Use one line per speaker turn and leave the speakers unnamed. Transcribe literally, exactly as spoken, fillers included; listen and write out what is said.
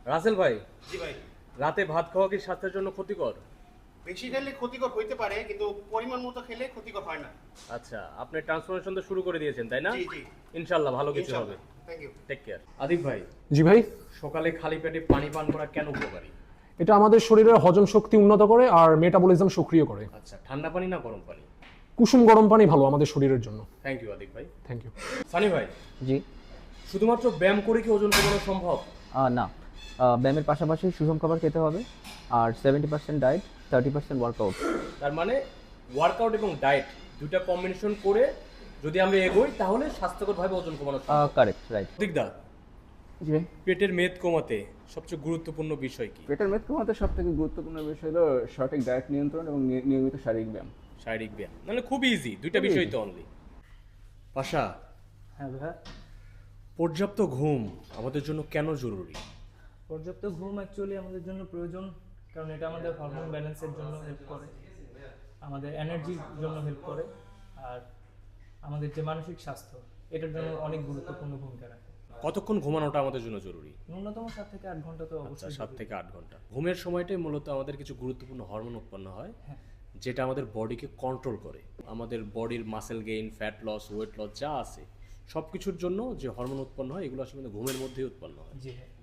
রাসেল ভাই,
জি ভাই।
রাতে ভাত খাওয়া কি স্বাস্থ্যের জন্য ক্ষতিকর?
বেশি খেলে ক্ষতিকর হইতে পারে, কিন্তু পরিমাণ মতো খেলে ক্ষতিকর হয় না।
আচ্ছা, আপনি ট্রান্সফরমেশন তো শুরু করে দিয়েছেন তাই না?
জি জি
ইনশাআল্লাহ ভালো কিছু হবে।
ইনশাআল্লাহ, thank you.
Take care. Adib ভাই,
জি ভাই,
সকালে খালি পেটে পানি পান করা কেন উপকারী?
এটা আমাদের শরীরের হজম শক্তি উন্নত করে আর মেটাবলিজম সক্রিয় করে।
আচ্ছা, ঠান্ডা পানি না গরম পানি?
কুসুম গরম পানি ভালো আমাদের শরীরের জন্য।
থ্যাংক ইউ আদিব ভাই।
Thank you.
সানি ভাই,
জি।
শুধুমাত্র ব্যায়াম করে কি ওজন কমানো সম্ভব?
আহ, না, আহ, ব্যায়ামের পাশাপাশি সুষম খাবার খেতে হবে, আর seventy percent diet, thirty percent workout.
তার মানে ওয়ার্কআউট এবং ডায়েট দুইটা কম্বিনেশন করে যদি আমরা এগোই তাহলে স্বাস্থ্যকরভাবে ওজন কমানো সম্ভব।
Correct, right.
দিকদা,
জি ভাই,
পেটের মেদ কমাতে সবচেয়ে গুরুত্বপূর্ণ বিষয় কি?
পেটের মেদ কমাতে সব থেকে গুরুত্বপূর্ণ বিষয় হলো সঠিক ডায়েট নিয়ন্ত্রণ এবং নি- নিয়মিত শারীরিক ব্যায়াম।
শারীরিক ব্যায়াম, মানে খুব ইজি, দুইটা
খুবই
বিষয়
easy।
তো অনলি। পাশা,
হ্যাঁ ভাইয়া,
পর্যাপ্ত ঘুম আমাদের জন্য কেন জরুরি?
পর্যাপ্ত ঘুম অ্যাকচুয়ালি আমাদের জন্য প্রয়োজন, কারণ এটা আমাদের হরমোন ব্যালেন্সের জন্য হেল্প করে, আমাদের এনার্জির জন্য হেল্প করে, আর আমাদের যে মানসিক স্বাস্থ্য এটার জন্য অনেক গুরুত্বপূর্ণ ভূমিকা রাখে।
কতক্ষণ ঘুমানোটা আমাদের জন্য জরুরি?
ন্যূনতম সাত থেকে আট ঘন্টা তো
আচ্ছা,
অবশ্যই
সাত
জরুরি।
থেকে আট ঘন্টা। ঘুমের সময়টাই মূলত আমাদের কিছু গুরুত্বপূর্ণ হরমোন উৎপন্ন হয়,
হ্যাঁ।
যেটা আমাদের বডিকে কন্ট্রোল করে। আমাদের বডির muscle gain, fat loss, weight loss যা আছে সব কিছুর জন্য যে হরমোন উৎপন্ন হয় এগুলো আসলে আমাদের ঘুমের মধ্যেই উৎপন্ন হয়।
জি হ্যাঁ।